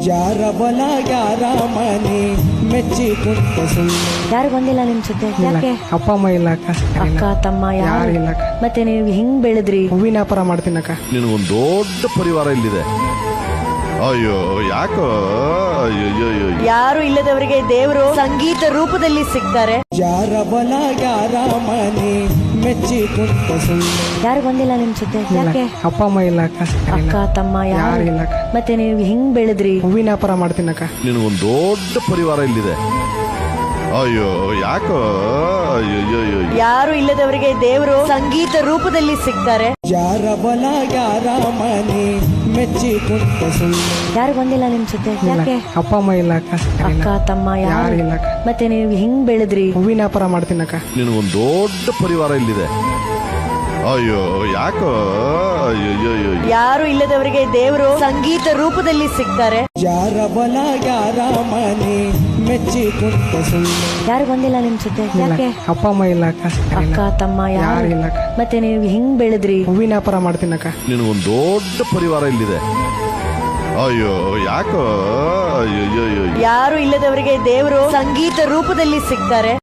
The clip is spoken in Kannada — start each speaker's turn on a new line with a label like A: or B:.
A: ಯಾರ ಬಲ ಯಾರ ಮನೆ ಮೆಚ್ಚಿ ಕುಂತ ಸುಳ್ಳು.
B: ಯಾರು ಬಂದಿಲ್ಲ ನಿಮ್ ಜೊತೆ? ಯಾಕೆ?
C: ಅಪ್ಪ ಅಮ್ಮ ಇಲ್ಲ ಅಕ್ಕ.
B: ಅಕ್ಕ ತಮ್ಮ ಯಾರು
C: ಇಲ್ಲ ಅಕ್ಕ.
B: ಮತ್ತೆ ನೀವು ಹಿಂಗ್ ಬೆಳೆದ್ರಿ?
C: ಹೂವಿನ ವ್ಯಾಪಾರ ಮಾಡ್ತೀನಿ ಅಕ್ಕ.
D: ನಿನಗೊಂದು ದೊಡ್ಡ ಪರಿವಾರ ಇಲ್ಲಿದೆ. ಅಯ್ಯೋ ಯಾಕೋ ಅಯ್ಯೋ
B: ಯಾರು ಇಲ್ಲದವರಿಗೆ ದೇವರು ಸಂಗೀತ ರೂಪದಲ್ಲಿ ಸಿಗ್ತಾರೆ.
A: ಯಾರ ಬಲ ಯಾರ ಮನೆ ಮೆಚ್ಚಿ ಕುಂತ ಸುಳ್ಳು.
B: ಯಾರು ಬಂದಿಲ್ಲ ನಿಮ್ ಜೊತೆ? ಯಾಕೆ?
C: ಅಪ್ಪ ಅಮ್ಮ ಇಲ್ಲ ಅಕ್ಕ.
B: ಅಕ್ಕ ತಮ್ಮ ಯಾರು
C: ಇಲ್ಲ ಅಕ್ಕ.
B: ಮತ್ತೆ ನೀವು ಹಿಂಗ್ ಬೆಳೆದ್ರಿ?
C: ಹೂವಿನ ವ್ಯಾಪಾರ ಮಾಡ್ತೀನಿ ಅಕ್ಕ.
D: ನಿನಗೊಂದು ದೊಡ್ಡ ಪರಿವಾರ ಇಲ್ಲಿದೆ. ಅಯ್ಯೋ ಯಾಕೋ ಅಯ್ಯೋ
B: ಯಾರು ಇಲ್ಲದವರಿಗೆ ದೇವರು ಸಂಗೀತ ರೂಪದಲ್ಲಿ ಸಿಗ್ತಾರೆ.
A: ಯಾರ ಬಲ ಯಾರ ಮನೆ ಮೆಚ್ಚಿ ಕುಂತ ಸುಳ್ಳು.
B: ಯಾರು ಬಂದಿಲ್ಲ ನಿಮ್ ಜೊತೆ? ಯಾಕೆ?
C: ಅಪ್ಪ ಅಮ್ಮ ಇಲ್ಲ ಅಕ್ಕ.
B: ಅಕ್ಕ ತಮ್ಮ ಯಾರು
C: ಇಲ್ಲ ಅಕ್ಕ.
B: ಮತ್ತೆ ನೀವು ಹಿಂಗ್ ಬೆಳೆದ್ರಿ?
C: ಹೂವಿನ ವ್ಯಾಪಾರ ಮಾಡ್ತೀನಿ ಅಕ್ಕ.
D: ನಿನಗೊಂದು ದೊಡ್ಡ ಪರಿವಾರ ಇಲ್ಲಿದೆ. ಅಯ್ಯೋ ಯಾಕೋ ಅಯ್ಯೋ
B: ಯಾರು ಇಲ್ಲದವರಿಗೆ ದೇವರು ಸಂಗೀತ ರೂಪದಲ್ಲಿ ಸಿಗ್ತಾರೆ.
A: ಯಾರ ಬಲ ಯಾರ ಮನೆ ಮೆಚ್ಚಿ ಕುಂತ ಸುಳ್ಳು.
B: ಯಾರು ಬಂದಿಲ್ಲ ನಿಮ್ ಜೊತೆ? ಯಾಕೆ?
C: ಅಪ್ಪ ಅಮ್ಮ ಇಲ್ಲ ಅಕ್ಕ.
B: ಅಕ್ಕ ತಮ್ಮ ಯಾರು
C: ಇಲ್ಲ ಅಕ್ಕ.
B: ಮತ್ತೆ ನೀವು ಹಿಂಗ್ ಬೆಳೆದ್ರಿ?
C: ಹೂವಿನ ವ್ಯಾಪಾರ ಮಾಡ್ತೀನಿ ಅಕ್ಕ.
D: ನಿನಗೊಂದು ದೊಡ್ಡ ಪರಿವಾರ ಇಲ್ಲಿದೆ. ಅಯ್ಯೋ ಯಾಕೋ ಅಯ್ಯೋ
B: ಯಾರು ಇಲ್ಲದವರಿಗೆ ದೇವರು ಸಂಗೀತ ರೂಪದಲ್ಲಿ ಸಿಗ್ತಾರೆ.